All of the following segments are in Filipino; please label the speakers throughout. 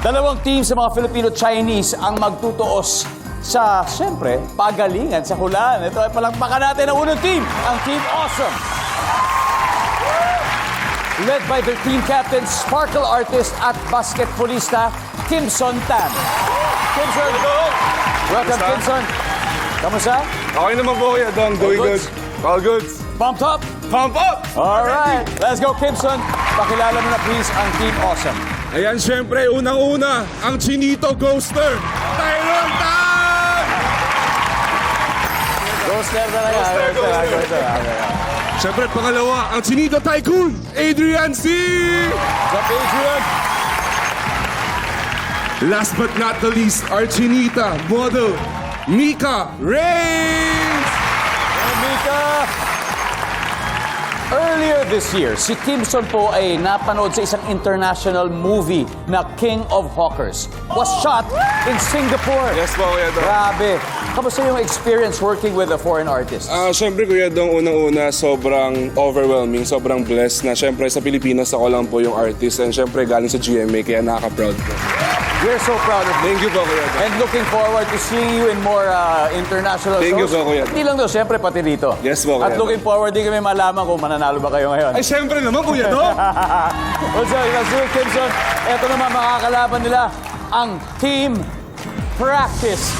Speaker 1: Dalawang team sa mga Filipino-Chinese ang magtutuos sa, siyempre, pagalingan sa hulaan. Ito ay palakpakan natin ang unang team, ang Team Awesome. Led by their team captain, sparkle artist at basketballista, Kimson Tan. Kimson, welcome Kimson. Kamusta?
Speaker 2: Okay naman po Kuya Dong. Doing good. All good.
Speaker 1: Pumped up?
Speaker 2: Pump up!
Speaker 1: All right, let's go Kimson. Pakilala mo na please ang Team Awesome.
Speaker 2: Ayan, syempre, unang-una, ang Chinito Ghoster, Tyron Tan!
Speaker 1: Ghoster talaga. Ghoster.
Speaker 2: Syempre, pangalawa, ang Chinito Tycoon, Adrian C!
Speaker 1: What's up, Adrian?
Speaker 2: Last but not the least, our Chinita model, Mika Reigns!
Speaker 1: Mika! Earlier this year, si Kimson po ay napanood sa isang international movie na King of Hawkers. Was shot in Singapore.
Speaker 2: Yes po, Kuya Dong.
Speaker 1: Grabe. Kamusta yung experience working with a foreign artist?
Speaker 2: Syempre, Kuya Dong, unang-una, sobrang overwhelming, sobrang blessed na syempre sa Pilipinas ako lang po yung artist and syempre galing sa GMA, kaya nakaka-proud po.
Speaker 1: We're so proud of you.
Speaker 2: Thank you po, Kuya Dong.
Speaker 1: And looking forward to seeing you in more international
Speaker 2: Thank you
Speaker 1: shows.
Speaker 2: po, Kuya.
Speaker 1: Hindi lang doon, siyempre pati dito.
Speaker 2: Yes po, Kuya.
Speaker 1: At looking forward din kami malaman kung mananalo ba kayo ngayon.
Speaker 2: Ay, syempre naman, Kuya Dong!
Speaker 1: What's up, let's do it, Kimson. Ito naman makakalaban nila, ang Team Practice.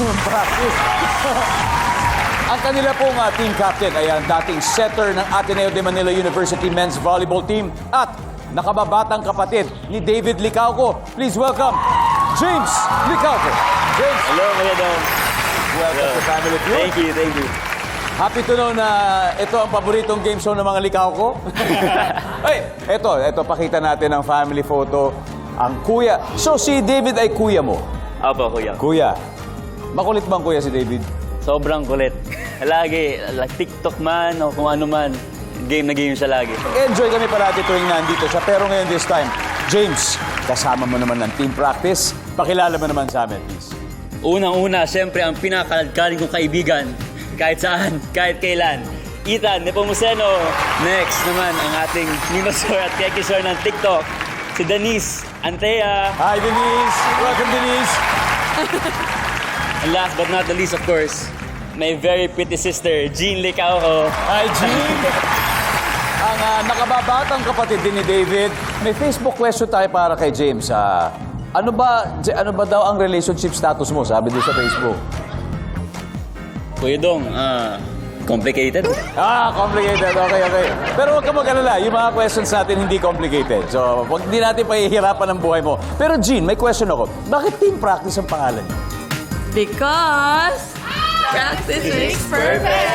Speaker 1: Ang kanila pong team captain ay ang dating setter ng Ateneo de Manila University men's volleyball team at nakababatang kapatid ni David Licauco. Please welcome James Licauco. James,
Speaker 3: Hello, Kuya Dong.
Speaker 1: welcome to Family Feud.
Speaker 3: Thank you.
Speaker 1: Happy to know na ito ang paboritong game show ng mga Licauco. Ay, ito, pakita natin ang family photo. Ang kuya. So, si David ay kuya mo?
Speaker 3: Opo, Kuya.
Speaker 1: Kuya. Makulit bang kuya si David?
Speaker 3: Sobrang kulit. Lagi, like TikTok man o kung ano man, game na game siya lagi.
Speaker 1: Enjoy kami parati tuwing nandito siya. Pero ngayon this time, James, kasama mo naman ng team practice. Pakilala mo naman sa amin, please.
Speaker 3: Unang-una, siyempre, ang pinakaladkaling kong kaibigan, kahit saan, kahit kailan. Ethan Nepomuceno. Next naman, ang ating Mimasor at Kekisor ng TikTok, si Denise Antea.
Speaker 1: Hi, Denise. Welcome, Denise.
Speaker 3: And last but not the least, of course, my very pretty sister, Jean Licauco.
Speaker 1: Hi, Jean. Ang nakababatang kapatid din ni David. May Facebook question tayo para kay James. Ano ba daw ang relationship status mo? Sabi din sa Facebook.
Speaker 3: Kuya Dong, complicated.
Speaker 1: Complicated. Okay. Pero huwag ka mag-alala. Yung mga questions natin hindi complicated. So, hindi natin pahihirapan ang buhay mo. Pero Jean, may question ako. Bakit team practice ang pangalan niyo?
Speaker 4: Because practice makes perfect.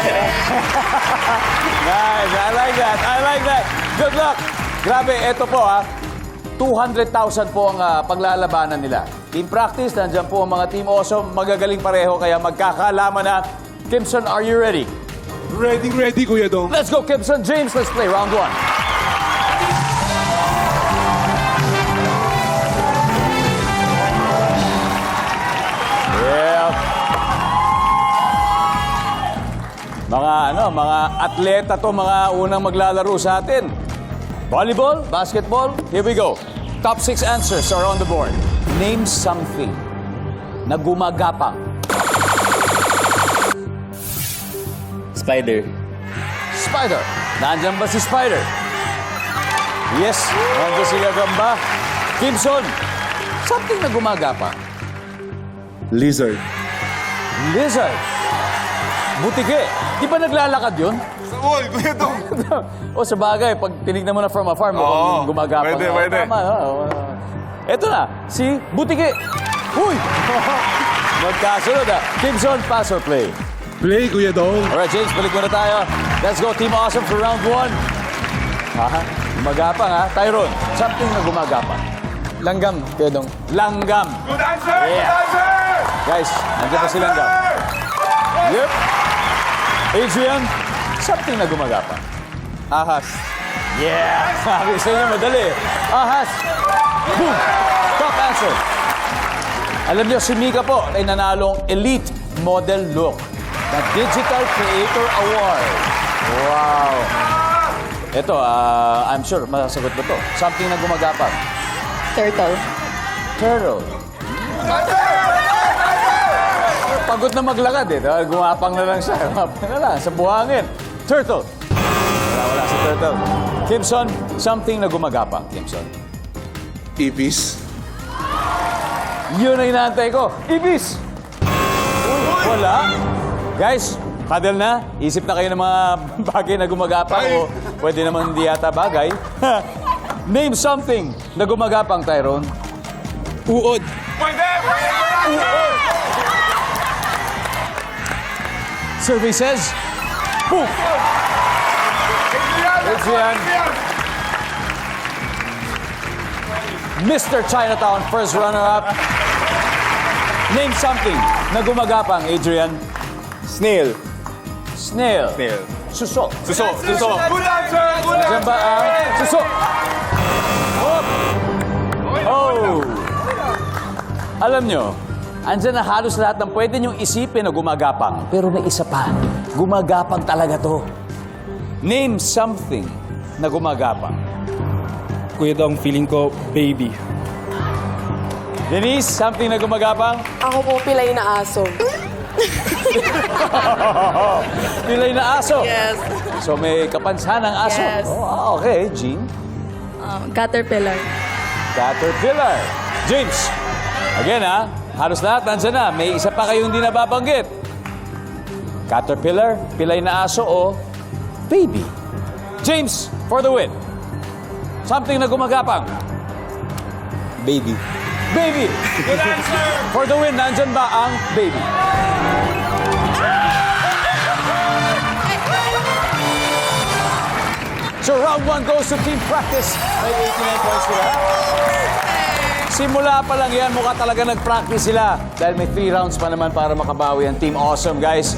Speaker 1: Nice. I like that. Good luck. Grabe, eto po 200,000 po ang paglalabanan nila. Team practice, nandiyan po ang mga Team Awesome. Magagaling pareho, kaya magkakalaman na. Kimson, are you ready?
Speaker 2: Ready, Kuya Dong.
Speaker 1: Let's go, Kimson. James, let's play round one. Yeah. Mga atleta to, mga unang maglalaro sa atin. Volleyball, basketball, here we go. Top 6 answers are on the board. Name something na gumagapang.
Speaker 3: Spider.
Speaker 1: Spider. Nandiyan ba si Spider? Yes, nandiyan si Gagamba. Kimson, something na gumagapang.
Speaker 2: Lizard.
Speaker 1: Lizard. Butike. Di ba naglalakad yun?
Speaker 2: Sa wall, Kuya Dong.
Speaker 1: O sa bagay, pag tinignan mo na from afar, mukhang gumagapang.
Speaker 2: Pwede.
Speaker 1: Tama. Ito na, si Butike. Uy! Magkasunod Kimson, pass or play?
Speaker 2: Play, Kuya Dong.
Speaker 1: Alright, James, balik muna tayo. Let's go, Team Awesome for round one. Gumagapang Tyrone, something na gumagapang.
Speaker 5: Langgam, Kuya Dong.
Speaker 1: Langgam.
Speaker 2: Good answer!
Speaker 1: Yeah.
Speaker 2: Good answer!
Speaker 1: Guys, nandiyan pa si Langgam. Yep. Adrian, something na gumagapang.
Speaker 5: Ahas.
Speaker 1: Yeah! Sabi sa inyo, madali. Ahas. Boom! Top answer. Alam niyo, si Mika po ay nanalong Elite Model Look. The Digital Creator Award. Wow! Ito, I'm sure, masasagot mo to. Something na gumagapang.
Speaker 4: Turtle.
Speaker 1: Turtle. Pagod na maglakad eh. Dahil gumapang na lang siya. Gumapang na lang sa buhangin. Turtle. Wala si Turtle. Kimson, something na gumagapang, Kimson.
Speaker 2: Ibis.
Speaker 1: Yun ang inaantay ko. Ibis! Wala. Guys, paddle na. Isip na kayo ng mga bagay na gumagapang o pwede naman hindi yata bagay. Name something na gumagapang, Tyrone.
Speaker 5: Uod.
Speaker 1: Survey says, boom! Adrian. Mr. Chinatown, first runner-up. Name something na gumagapang, Adrian.
Speaker 5: Snail.
Speaker 1: Snail.
Speaker 5: Snail.
Speaker 1: Suso.
Speaker 5: Suso. Suso.
Speaker 1: Diyan ba ang suso? Oh! Alam nyo, andyan na halos lahat ng pwede nyong isipin na gumagapang. Pero may isa pa. Gumagapang talaga to. Name something na gumagapang.
Speaker 5: Kuya Dong, feeling ko, baby.
Speaker 1: Denise, something na gumagapang?
Speaker 4: Ako po pilay na aso.
Speaker 1: Pilay na aso.
Speaker 4: Yes.
Speaker 1: So may kapansanan ng aso.
Speaker 4: Yes.
Speaker 1: Oh, okay, Jean.
Speaker 4: Caterpillar.
Speaker 1: Caterpillar. James. Again ha, halos lahat nandyan na. May isa pa kayong hindi nababanggit. Caterpillar, pilay na aso o baby. James, for the win. Something na gumagapang.
Speaker 5: Baby.
Speaker 1: Baby. Good answer. For the win, nandyan ba ang baby? So round 1 goes to team practice. May 89 points sila. Simula pa lang yan, mukha talaga nag-practice sila. Dahil may 3 rounds pa naman para makabawi ang Team Awesome, guys.